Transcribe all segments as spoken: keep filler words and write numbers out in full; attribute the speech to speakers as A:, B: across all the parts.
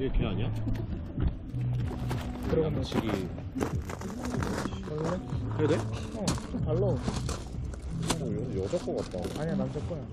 A: 얘 걔 아니야?
B: 들어간다.
A: 양치기.
B: 원래?
A: 해야 돼?
B: 어, 좀 달라.
A: 어, 여, 여자 거 같다.
B: 아니야, 남자 거야.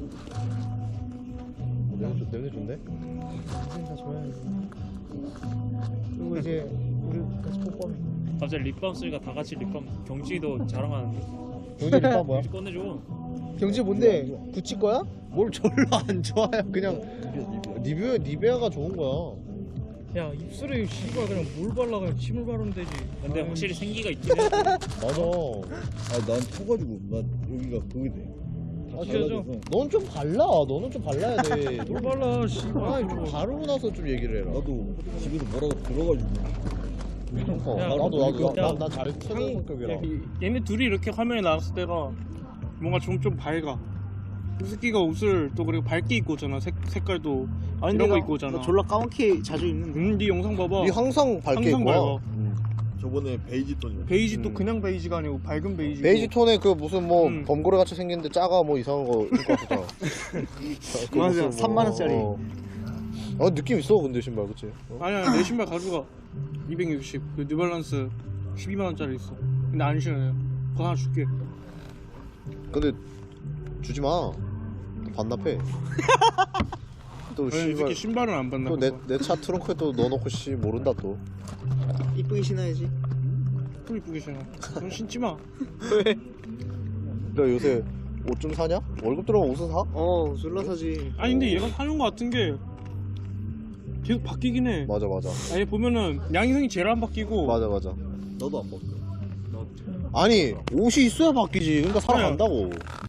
A: 냄새, 좋- 냄새 좋네?
B: 사진 다 줘야지. 그리고 이제 우리 같이 뽀뽀해.
C: 갑자기 립밤 쓰니까 다 같이 립밤 경진이도 자랑하는데.
B: 경지 립밤 뭐야?
C: 경진 꺼내줘.
B: 경지 뭔데? 구찌 거야?
A: 뭘 절로 안 좋아해. 그냥 리뷰, 리베아가 좋은 거야.
D: 야 입술에 씨발 그냥 물 발라 그냥 침을 바르면 되지.
C: 근데 확실히 생기가 있긴 해.
A: 맞아.
E: 아난 터가지고 난 여기가 그게 돼. 다
D: 찢어져?
E: 갈라져서.
A: 넌 좀 발라. 너는 좀 발라야 돼.
D: 물 발라 씨발.
A: 아니, 좀 바르고 나서 좀 얘기를 해라.
E: 나도 집에서 뭐라고 들어가지고.
A: 어,
D: 야,
A: 나도, 나도,
D: 야,
A: 나, 나, 나 잘해. 최고 성격이라.
D: 야, 이- 얘네 둘이 이렇게 화면에 나왔을 때가 뭔가 좀 좀 밝아. 이 새끼가 옷을 또 그리고 밝게 입고 오잖아. 색, 색깔도
B: 아니,
D: 이런 거
B: 내가-
D: 입고 오잖아.
B: 나 졸라 까맣게 자주 입는데.
D: 음, 네 영상 봐봐.
A: 니 항상 밝게
D: 항상
A: 입고 와.
D: 밝아.
E: 저번에 베이지 톤이.
D: 베이지 또
A: 음.
D: 그냥 베이지가 아니고 밝은 베이지.
A: 베이지 톤에 그 무슨 뭐
D: 음.
A: 범고래 같이 생긴데 작아 뭐 이상한 거 입고 왔었잖아. 그
B: 맞아,
A: 무슨 뭐,
B: 삼만 원짜리.
A: 어. 어, 느낌 있어 근데 신발 그치? 어?
D: 아니야 내 신발 가져가. 이백육십 그 뉴발란스 십이만 원짜리 있어. 근데 안 신어요. 그거 하나 줄게.
A: 근데 주지 마. 반납해. 또
D: 왜 이
A: 씨발
D: 새끼 신발은 안 받나?
A: 또 내 내 차 트렁크에 또 넣어놓고 씨 모른다 또.
B: 이쁘게 신어야지.
D: 또 이쁘게 신어. 넌 신지 마.
B: 왜?
A: 너 요새 옷 좀 사냐? 월급 들어가면 옷을 사?
B: 어, 졸라 사지.
D: 아니 근데 얘가 사는 거 같은 게 계속 바뀌긴 해.
A: 맞아 맞아.
D: 아니 보면은 양희성이 제일 안 바뀌고.
A: 맞아 맞아.
E: 나도 안 먹어.
A: 아니 옷이 있어야 바뀌지. 그러니까 살아간다고.